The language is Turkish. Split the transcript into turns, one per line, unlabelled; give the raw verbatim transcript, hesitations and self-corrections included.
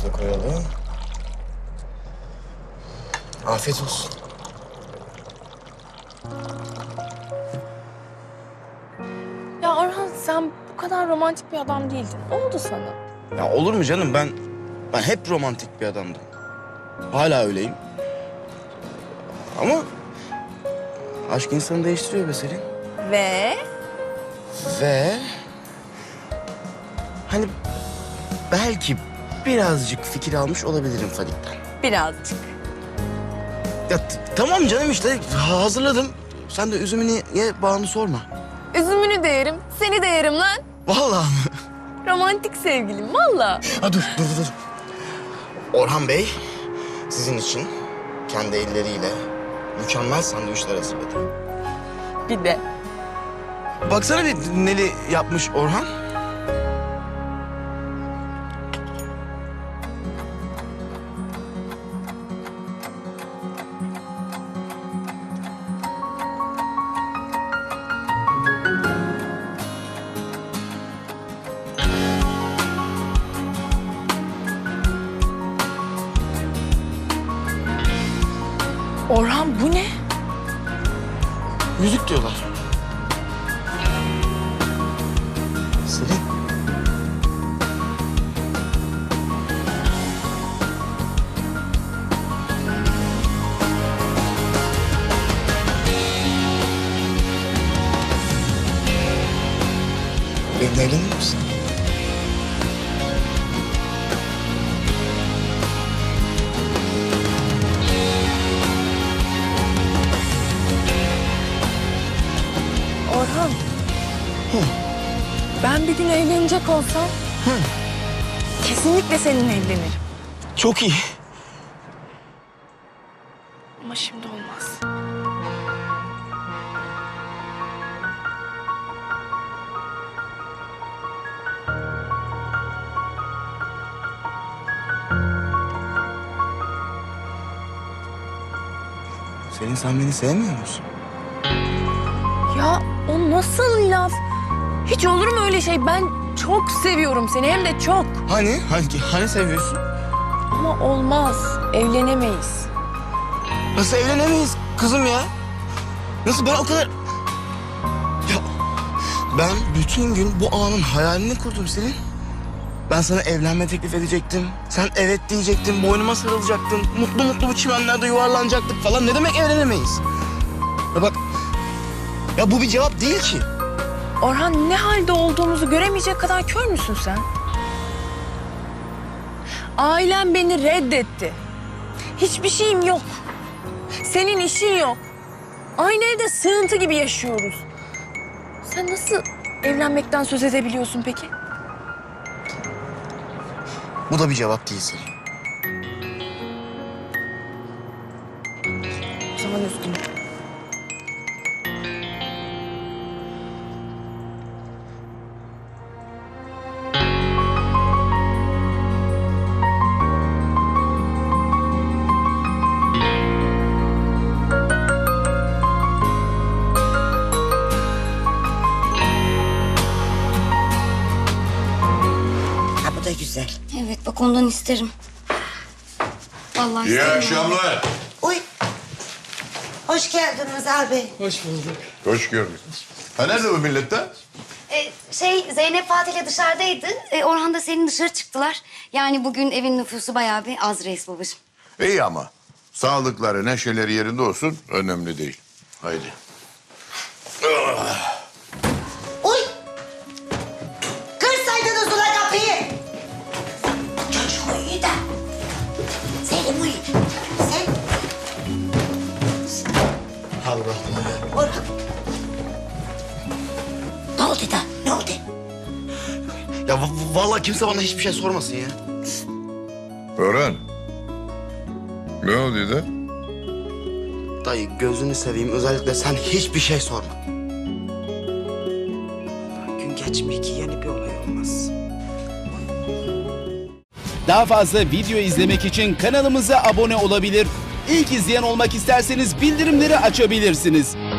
da koyalım. Afiyet olsun.
Ya Orhan sen bu kadar romantik bir adam değildin. Ne oldu sana?
Ya olur mu canım? Ben ben hep romantik bir adamdım. Hala öyleyim. Ama aşk insanı değiştiriyor be Selin.
Ve?
Ve hani belki birazcık fikir almış olabilirim Fadik'ten.
Birazcık.
Ya t- tamam canım işte hazırladım. Sen de üzümünü ye, bağını sorma.
Üzümünü de yerim, seni de yerim lan.
Vallahi mı?
Romantik sevgilim, vallahi.
Ha dur, dur, dur. Orhan Bey sizin için kendi elleriyle mükemmel sandviçler hazırladı.
Bir de.
Baksana bir neli yapmış Orhan.
Orhan bu ne?
Yüzük diyorlar. Selin. Benimle evlenir misin?
Orhan. Ben bir gün evlenecek olsam... kesinlikle seninle evlenirim.
Çok iyi.
Ama şimdi olmaz.
Selin sen beni sevmiyor musun?
Ya o nasıl laf? Hiç olur mu öyle şey? Ben çok seviyorum seni, hem de çok.
Hani? Hangi? Hani seviyorsun?
Ama olmaz, evlenemeyiz.
Nasıl evlenemeyiz kızım ya? Nasıl ben o kadar... Ya ben bütün gün bu anın hayalini kurdum Selin. Ben sana evlenme teklif edecektim. Sen evet diyecektin, boynuma sarılacaktın. Mutlu mutlu bu çimenlerde yuvarlanacaktık falan. Ne demek evlenemeyiz? Ya bak... Ya bu bir cevap değil ki.
Orhan, ne halde olduğumuzu göremeyecek kadar kör müsün sen? Ailem beni reddetti. Hiçbir şeyim yok. Senin işin yok. Aynı evde sığıntı gibi yaşıyoruz. Sen nasıl evlenmekten söz edebiliyorsun peki?
Bu da bir cevap değil Selin.
O zaman üzgünüm.
Ha bu da güzel.
Evet bak ondan isterim. Vallahi
İyi
isterim.
akşamlar.
Uy. Hoş geldiniz abi.
Hoş gördük. Ha nerede bu millette?
Ee, şey Zeynep Fatih'le dışarıdaydı. Ee, Orhan da senin dışarı çıktılar. Yani bugün evin nüfusu bayağı bir az reis babacığım.
İyi ama. Sağlıkları, neşeleri yerinde olsun. Önemli değil. Haydi.
Uy. Kırsaydınız ulan kapıyı. Çocuk uyuyor da. Selim uyu. Sen.
Allah Allah.
Orhan. Ne oldu da? Ne oldu?
Ya va- vallahi kimse bana hiçbir şey sormasın ya.
Orhan. Ne oldu da?
Dayı gözünü seveyim, özellikle sen hiçbir şey sorma.
Gün geçmiyor ki yeni bir olay olmaz.
Daha fazla video izlemek için kanalımıza abone olabilir. İlk izleyen olmak isterseniz bildirimleri açabilirsiniz.